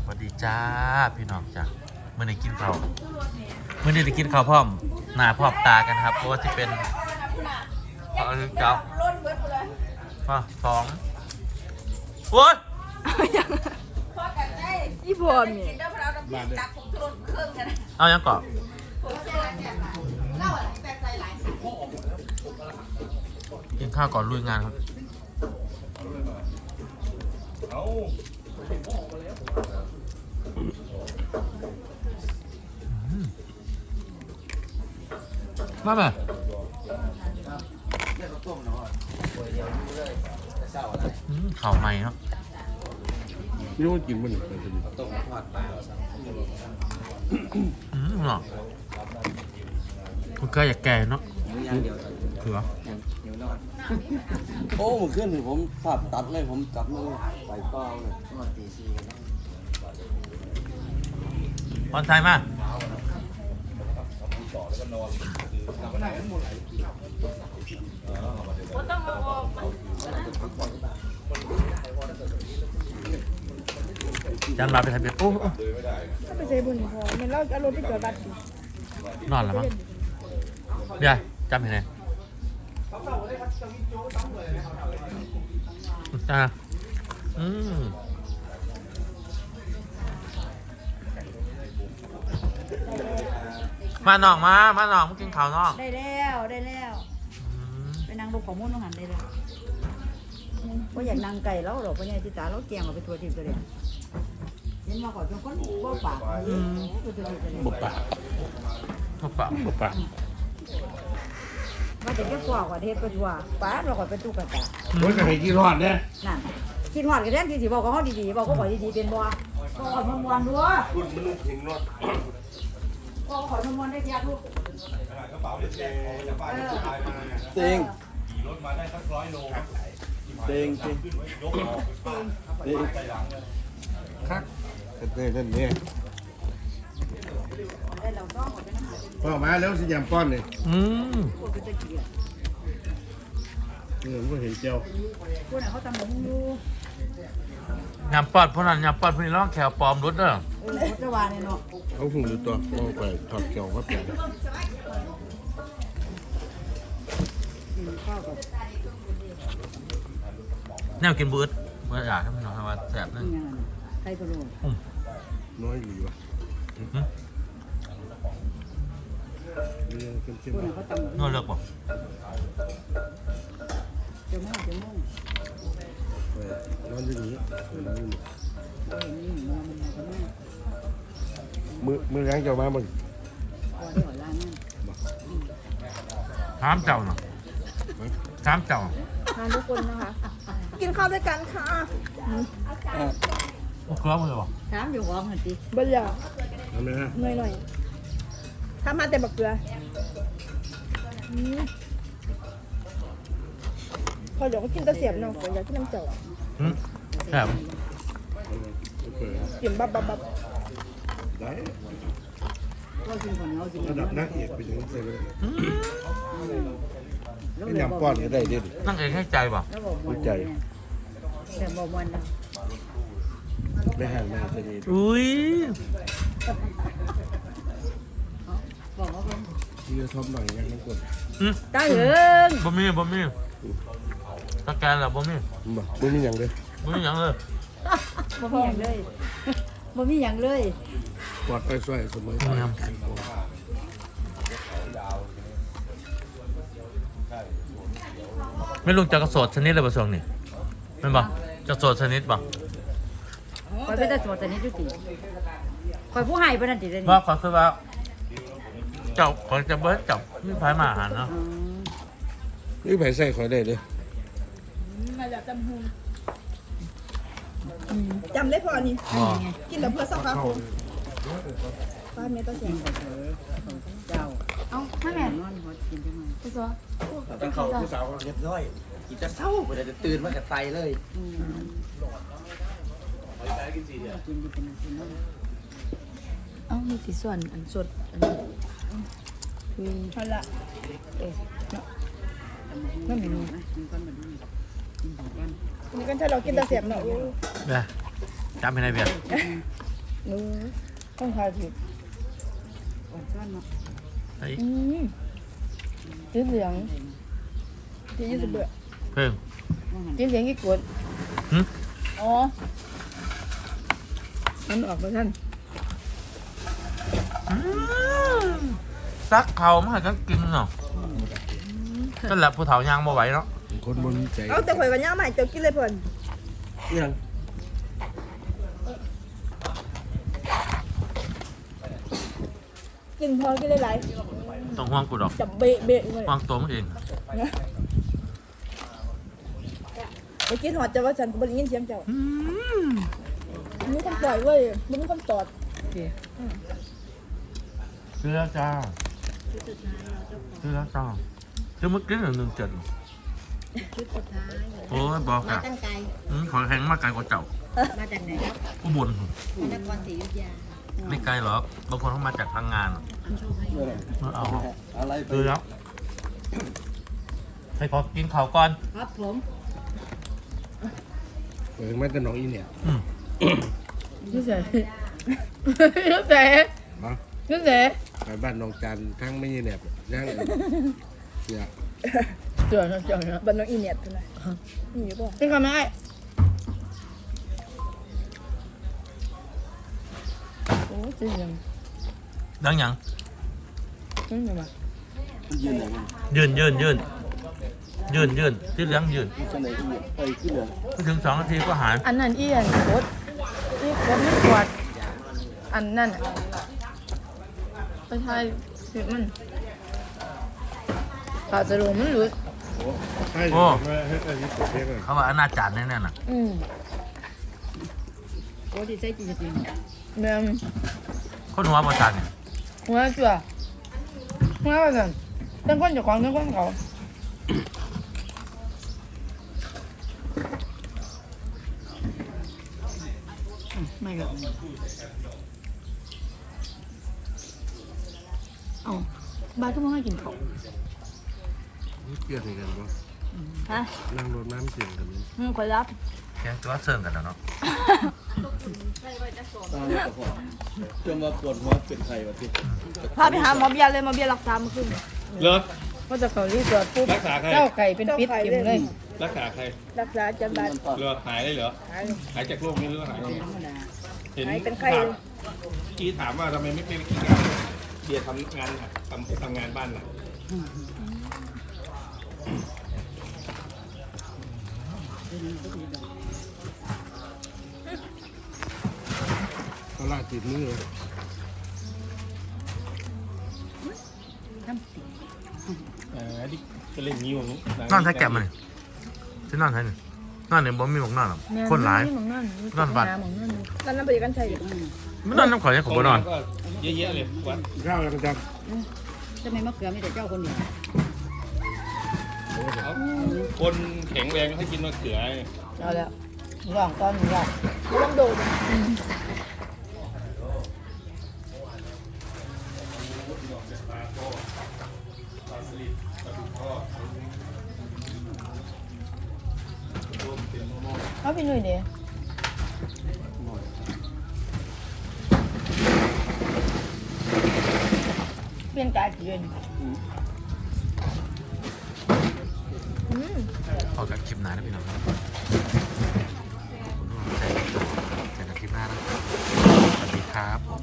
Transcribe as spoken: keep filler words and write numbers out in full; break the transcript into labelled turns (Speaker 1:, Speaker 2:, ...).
Speaker 1: สวัสดีจ้าพี่น้องจ้าเมื่อไหร่กินข้าวเมื่อไหร่จะกินข้าวพร้อมหน้าพร้อมตากันครับเพราะว่าจะเป็นเอาเจ้ามาสองโอ้ย
Speaker 2: อีพอมี
Speaker 1: เอายังก่อนกินข้าวก่อนลุยงานครับมาไหมข่าวใหม่เนาะ
Speaker 3: นี่ว่ากินมันอะไรกัน
Speaker 4: ต้มทอดปลา
Speaker 1: อืมเนาะคุณก็อยากแก่เนาะ
Speaker 4: อย่างเดียว
Speaker 1: เผื่อ
Speaker 4: หิวนอน
Speaker 3: โอ้เมื่อคืนผมภาพตัดเลยผมจับมือไปเป้าเลย
Speaker 4: นอนตีสี่
Speaker 1: บอลไทยมาจันมาไปทะเบียนโอ้โอ้
Speaker 2: ถ้าไปใช้บุญพอมันเล่าเอารถไปจอดบัตร
Speaker 1: นอนแล้วมั้งเดี๋ยวจำเห็นไหมจ้าอืมมาหนองมา มาหนองมากินข้าวน้อง
Speaker 2: ได้แล้วได้แล้วไปนั่งดูของมุ่นต้องหันได้แล้วว่าอยากนั่งไก่แล้วหรอกเพราะไงที่ตาเราแกงเราไปทัวร์ทีมตัวเดียวเห็นมาก่อนจนคนบ่ปากบ่ปาก
Speaker 1: ทุกปากทุกปาก
Speaker 2: ว่าจะแค่ฟอกว่าเทศก็ชัวป้าเราก่อนเป็นตู้กระตา
Speaker 3: มันก็ให้กี่รอดเนี่ย
Speaker 2: นั่นคิดหอดกันแท้ที่สิบอกกับเขาดีๆบอกก็บอกดีๆเป็นบ่บอกก่อนมวนๆด้วย
Speaker 3: คุณมันถึงรอด
Speaker 2: บอกก่อนมวนๆได้ยากลูก
Speaker 3: เต็งเต็งเต็งเต็งคักเต็งนั่นเนี่ย
Speaker 2: ได้เราต้องก่อนเป็นอาหาร
Speaker 3: พอมาแล้วสิยามป้อนเนี่ย
Speaker 1: อืม
Speaker 2: พวกเป็นตะเกียบ
Speaker 3: เออผมเห็นเจียว
Speaker 2: พวกนั้นเขาตำหมูอยู่
Speaker 1: ยำปอดพวกนั้นยำปอดพวกนี้ร้องแขวปลอมรุดเด้อ
Speaker 2: เออเขาจะวานเนี่ยเนาะ
Speaker 3: เขาหุ่นอยู่ตัวมองไปถอดเกี่ยวก็เปลี่ยน
Speaker 2: กินข้าวกับ
Speaker 1: แนวกินบูดเมื่ออยากให้มันนอนว่าแสบนึง
Speaker 2: นี่ยังไงไข่พะโล้
Speaker 3: น้อยอยู่วะ
Speaker 1: อืม
Speaker 3: เรื่องเข้ม
Speaker 2: พวกนั้นเขาตำหมู
Speaker 1: นวดเลือกบอก
Speaker 2: เจ้าม่วงเจ้าม่วง
Speaker 3: ๆไปนอนอยู่นี่นอนอยู่นี่
Speaker 2: เออนี่หมูมันมาทำไม
Speaker 3: มือมือแรงเจ้ามามึง
Speaker 2: พอได้หอยล้างนั่น
Speaker 1: ถามเจ้าเนาะถามเจ้า
Speaker 2: ทานทุกคนนะคะ กินข้าวด้วยกันค่ะ
Speaker 1: โอ้เกลือมือบอก
Speaker 2: ถามอยู่ห้องหันติ
Speaker 5: บลยา
Speaker 3: ทำไมฮะ
Speaker 5: หน่อยหน่อยถ้ามาแต่บักเกลืออืมพอเดี๋ยวก็กินตะเสียบเนาะผมอยากกินน้ำเจียว
Speaker 1: อืมแสบ
Speaker 3: เปิด
Speaker 5: กินบับบับบับ
Speaker 3: ได้
Speaker 2: ก็กินคนเขากิน
Speaker 3: ระดับนักเอกไปถึงเซเว่น
Speaker 1: อืม
Speaker 3: ไม่ยำป้อนก็ได้เด็ด
Speaker 1: นั่งเองให้ใจป่ะ
Speaker 2: แล้วบอกมวน
Speaker 3: ใจ
Speaker 2: แต่บอกมวนนะ
Speaker 3: ไม่ห่างไม่ห่างจะดี
Speaker 1: อุ้ย
Speaker 2: บอกว่าเป็น
Speaker 3: ที่จะทบหน่อยยังน้ำกด
Speaker 1: อืม
Speaker 2: ตาเหยิง
Speaker 1: บ่มีบ่มีสแกนแล้วบ่มี
Speaker 3: บ่ไม่มีอย่างเลย
Speaker 1: บ่มีอย่างเลย
Speaker 2: บ่มีอย่างเลยบ่มีอย่างเลย
Speaker 3: ปลอดไปช่วยเสมอ
Speaker 1: นี่ครับไม่ลุงจะกระโสดชนิดเลยป่ะช่วงนี้เป็นป่ะจะโสดชนิดป่ะ
Speaker 2: คอยเป็นตาสวดแต่นี้จุติคอยผู้ให้เป็นนั่นติเลยนี่
Speaker 1: ว่าขอคือว่าเจ้าขอจะเบิร์ดจับมีพายมาอาหารเนาะ
Speaker 2: อืม
Speaker 3: นี่ไผ่ใส่คอยได้เลย
Speaker 5: มาจากจำหูจำได้พอนี่
Speaker 1: อ๋อ
Speaker 5: กินแต่เพื่อสักพักคุณป้าเมตตาเสียง
Speaker 2: เจ้า
Speaker 6: เอาไม่แม่
Speaker 2: นอนหัวกินจังไง
Speaker 6: ตัวตัว
Speaker 4: ตั้งเขาผู้สาวเรียบร้อยกินจะเศร้าไปเลยจะตื่นมากับไตเลย
Speaker 2: อืมกินดีเป็นกินนั่น
Speaker 6: เอามีสีส่วนอันสดอันนี้คุย
Speaker 5: เอาละ
Speaker 6: เอ๊ะ
Speaker 2: ไม่มีนะกินก้อนแบบนี้กินของกัน
Speaker 5: นี่ก็ถ้าเรากินตะเสียบเนาะ
Speaker 1: เบียร์จำให้ได้เบียร์
Speaker 5: หนูต้องทายผิด
Speaker 2: อ่อนช้อนเนาะ
Speaker 1: ไอ้
Speaker 5: อืมสีเหลืองที่ยี่สิบเบื่อ
Speaker 1: เพิ่ม
Speaker 2: ว่างั้น
Speaker 5: สีเหลืองกี่กด
Speaker 1: หึ
Speaker 5: อ๋อมันออกมาท่าน
Speaker 1: ซักเขามาให้กันกินเนาะก็แหละผู้เฒ่าย่างบ่ไหวเนาะ
Speaker 3: คนบนใจ
Speaker 5: เอาแต่ข่อยกันย่าใหม่เจ้ากินเลยเพิ่น
Speaker 3: ยัง
Speaker 5: กินพอกินหลาย
Speaker 1: ต้องห่วงกูดอก
Speaker 5: ๆจับเบะเบะเลย
Speaker 1: ห่วงตัวมึงเอง
Speaker 5: ไปกินหอดจะว่าฉันก็บ่ได้ยินเสียงเจ้ามีคนปล่อยเว้ยบ่มีคนตอด
Speaker 1: เสื้อจ้าเสื้อจ้าจะมึงกินหนึ่งหนึ่งเจ็ด
Speaker 2: ชุดสุดท้าย
Speaker 1: โอ้ยบอก
Speaker 2: มา
Speaker 1: อ่ะ
Speaker 2: ตั้งไกล
Speaker 1: อืมขอแข็งมากไกลกว่าเจ้า
Speaker 2: มาจากไหนครับ
Speaker 1: อุบล
Speaker 2: พระนครศรีอยุธยา
Speaker 1: ไม่ไกลหรอกบางคนเขามาจากทางงาน
Speaker 2: อันโชคให้
Speaker 1: มาเอา
Speaker 3: อะไรไป
Speaker 1: ดูแล้วให้ขอกินข้าวก่อน
Speaker 2: ครับผม
Speaker 3: เออมันจะน้องอีเนี่ย
Speaker 1: อืม
Speaker 5: นี่ใส่นี่ใส่
Speaker 3: มา
Speaker 5: นี่ใส่
Speaker 3: ไปบ้านน้องจันทั้งไม่ยีแหนบย่างเนี่ย
Speaker 5: เจ๋อเจ๋อบันน้องอีเนียดเท่าไหร่นี่อยู่ป่ะเป็นคำไม่ได้โอ้จริงยัง
Speaker 1: ดังยัง
Speaker 5: จริงยังมา
Speaker 3: ยืนไหนกัน
Speaker 1: ยืนยืนยืนยืนยืนที่เลี้ยงยืน
Speaker 3: จะไหนอีเนี่ยไปขึ้นเลย
Speaker 1: ไม่ถึงสองนาทีก็หาย
Speaker 5: อันนั้นอีอันโคตรอีโคตรไม่กวาดอันนั่นอ่ะไปทายผิดมันขาจะรู้มันหลุด
Speaker 3: โอ้ใช่ให้ให้อันนี้เพียงเลย
Speaker 1: เขาว่าอนาจารแน่ๆน่ะ
Speaker 5: อืม
Speaker 2: โอ้ดีใจจริง
Speaker 5: แม่ม
Speaker 1: คนหัวประจานเนี่ย
Speaker 5: หัวจั่วหัวว่าสั่นเรื่องคนเจ้าของเรื่องคนเขาไม่ก็เอาบ้านก็มาให้กินเขา
Speaker 3: เกลียดกันปะ
Speaker 5: ฮะ
Speaker 3: นั่งรถน้ำเสียงกัน
Speaker 5: อืมคอยรับ
Speaker 1: แค่ตัวเสริมกันแล้วเนาะ
Speaker 4: จนมาปวดหัวเป็นไข้วะที่
Speaker 5: พาไปหาหมอเบียร์เลยหมอเบียร์รักษามาขึ้น
Speaker 7: เหรอ
Speaker 5: ว่าจะเขารีสอร์ทปุ๊บ
Speaker 7: รักษาใคร
Speaker 5: เจ้าไก่เป็นพิษกินเลย
Speaker 7: รักษาใคร
Speaker 5: รักษาจันบาด
Speaker 7: เหรอหายได้เหรอ
Speaker 5: หาย
Speaker 7: หายจากโรคนี้หรือว่าหาย
Speaker 2: ๆธรรมดา
Speaker 7: เห็น
Speaker 5: หายเป็นไข้
Speaker 7: ถามกี้ถามว่าทำไมไม่เป็นกินงานเบียร์ทำงานหนักทำทำงานบ้านหนัก
Speaker 3: เขาลาติดมือเลย
Speaker 7: เออดิจะเล่นนิ้วนี้
Speaker 1: นอนแท้แก็บมาเนี่ยที่นอนแท้เนี่ยนอนเนี่ยบ่มีหมองนอนหรอกคนหลาย
Speaker 5: หมองนั่น
Speaker 1: นอนบัด
Speaker 5: หมองนั่นนั่นนั่นเป็นกันชัยอยู่
Speaker 1: ไม่นอนน้ำข่อยยังขอบนอน
Speaker 7: ก็เยอะๆเลยวัด
Speaker 3: ข้าวกันจัง
Speaker 2: จะไม่มะเขือมีแต่เจ้าคนเดียว
Speaker 7: เอาคนแข็งแรงให้กินมะเขือ
Speaker 5: เอาแล้วหลองตอนหลองไม่ต้องโดนเอาพี่หนุ่ยเดี๋ยวเปลี่ยนกายเปลี่ยน
Speaker 1: พอกับคลิปหน้านะพี่น้องครับผมต้องใจใจกับคลิปหน้านะสวัสดีครับผม